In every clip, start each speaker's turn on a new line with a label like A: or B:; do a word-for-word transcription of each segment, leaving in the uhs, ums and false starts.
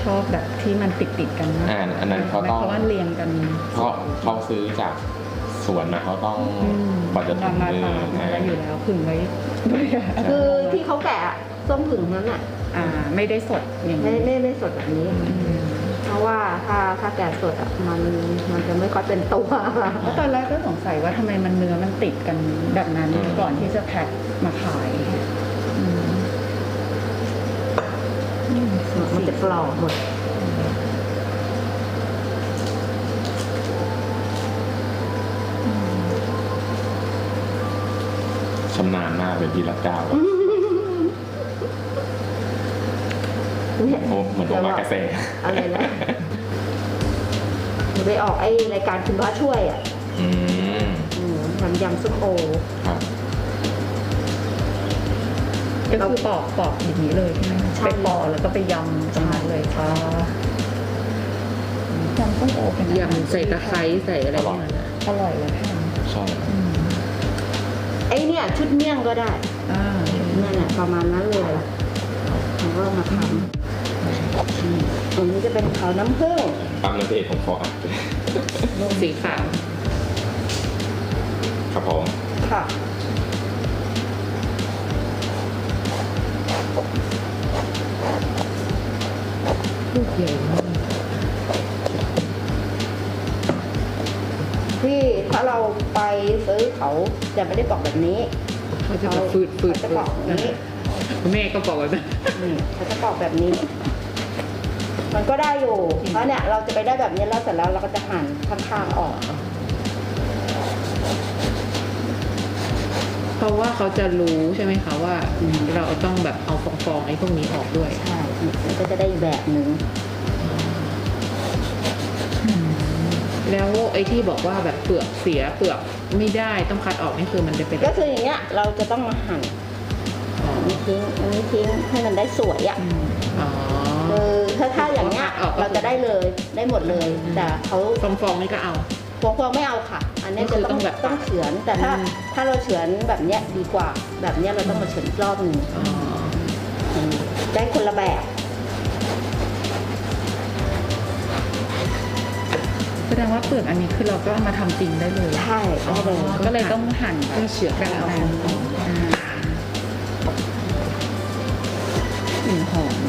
A: ชอบแบบที่มันติดติดกันนะ
B: อ่าอันนั้นเขาต้อง
A: เพราะว่าเรียงกัน
B: เพราะเขาซื้อจากสวนนะเขาต้องกว่าจะถึงมือ
A: นะ
B: นะ
A: อยู่แล้วผึ่งไว้ด้วย
C: คือที่เขาแกะส้มผึ่งนั้นอ่ะ
A: อ่าไม่ได้สดอย่าง
C: ไม่
A: นี้
C: ไม่ไม่สดแบบนี้ เพราะว่าถ้าถ้าแกะสดอ่ะมันมันจะไม่ค่อยเป็นตัว
A: เพราะตอนแรกก็สงสัยว่าทำไมมันเนื้อมันติดกันแบบนั้นก่อนที่จะแพ็คมาขายอืม
C: มันจะกรอบหมด
B: ชำนาญมากเป็นพี่รักเจ้า
C: เนี่ย
B: โอ้เหมือนโอมากาเซ่
C: อะไรนะไปออกไอ้รายการคุณพระช่วยอ่ะ
B: อืม
C: อืมทำยำซุปโอ
B: ครับ
A: ก็คือปอกปอกอย่างนี้เลยใช่ไหม
C: ใช่
A: ไปปอกแล้วก็ไปยำตรงนั้นเลยค่ะยำต้มโอเป็นอาหาร
D: ยำใส่ตะไคร้ใส่อะไรอย่างเงี้ยนะ
A: อร่อยเลยค่ะ
B: ใช่
C: ไอ้เนี่ยชุดเมี่ยงก็ได้
A: อ่า
C: นั่นแหละประมาณนั้นเลยเราก็มาทำอันนี้จะเป็นเขาน้ำผึ้ง
B: ปั๊มน้ำเอกของฟอร์ด
D: นุ่มสีขาว
B: ครับผม
C: ค่ะ
D: ลูกใหญ่มาก
C: ที่ถ้าเราไปซื้อเขาจะไม่ได้ปอกแบบนี้
D: เขาจะแบบฟืดฟืด
C: เขาจะปอกแบบนี้
D: คุณแม่ก็บอกแบบนั้น
C: นี่เขาจะปอกแบบนี้ มันก็ได้อยู่ เพราะเนี่ยเราจะไปได้แบบนี้แล้วเสร็จแล้วเราก็จะหั่นข้างๆออก
D: เพราะว่าเขาจะรู้ใช่ไหมคะว่าเราต้องแบบเอาฟองๆไอ้พวกนี้ออกด้วย
C: ใช่มันก็จะได้อีกแบบหนึ่ง
D: แล้วไอ้ที่บอกว่าแบบเปลือกเสียเปลือกไม่ได้ต้องคัดออกนี่คือมันจะเป็น
C: ก็คืออย่างเงี้ยเราจะต้องมาหั่น
D: อ๋อ
C: อันนี้ทิ้งอันนี้ทิ้งให้มันได้สวยอ่ะ
D: อ๋อ
C: คือถ้าถ้าอย่างเงี้ย
D: ออกก็คือ
C: เราจะได้เลยได้หมดเลย แต่เขา
D: ฟองๆนี่ก็เอา
C: พวงพวงไม่เอาค่ะ อันเนี้ย
D: ก็คื
C: จะ
D: อ
C: ต้
D: ต้
C: อ
D: อง งแบบ
C: ต้องเฉือน แต่ถ้า
D: อืม
C: ถ้าเราเฉือนแบบเนี้ยดีกว่า แบบเนี้ยเราต้องมาเฉือนอีกรอบหนึ่ง
D: อ๋อ
C: อืมได้คนละแบบ
A: แสดงว่าเปลือกอันนี้คือเราก็เอามาทำจริงได้เลย
C: ใช่ได้เลย
A: ก็เลยต้องหั่น
D: ก็เฉือน
A: กัน
D: เอา
A: เอากลิ่นหอม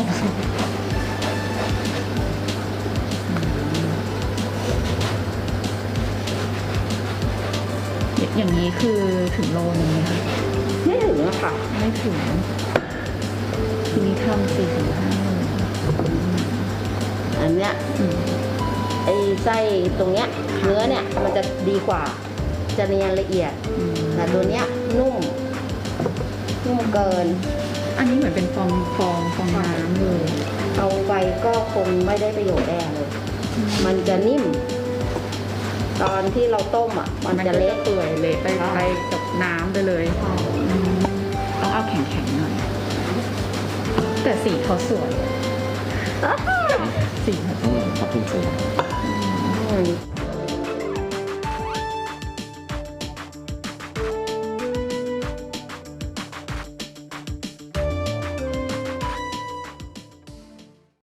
A: อย่างนี้คือถึงโลนึงไหมคะ
C: ไม่ถึงอะค่ะ
A: ไม่ถึง ทีนี้ทำสี่ถึงห้าโล
C: อันเนี้ย
A: อืม
C: ไอ้ไส้ตรงเนี้ยเนื้อเนี่ยมันจะดีกว่า จะเนียนละเอียด
A: อืม
C: แต่ตัวเนี้ยนุ่ม นุ่มเกิน
A: อันนี้เหมือนเป็นฟองฟองฟองน้ำเลย
C: เอาไปก็คงไม่ได้ประโยชน์แน่เลย มันจะนิ่ม ตอนที่เราต้มอ่ะ มันจะเละ
A: เปื่อยเละไป
C: ใช่
A: ไปกับน้ำไปเลยอืมต้องเอาแข็งๆหน่อย แต่สีเขาสวย สีเขาส
B: อื
A: วย
B: มครับคุณเซ่
C: อืม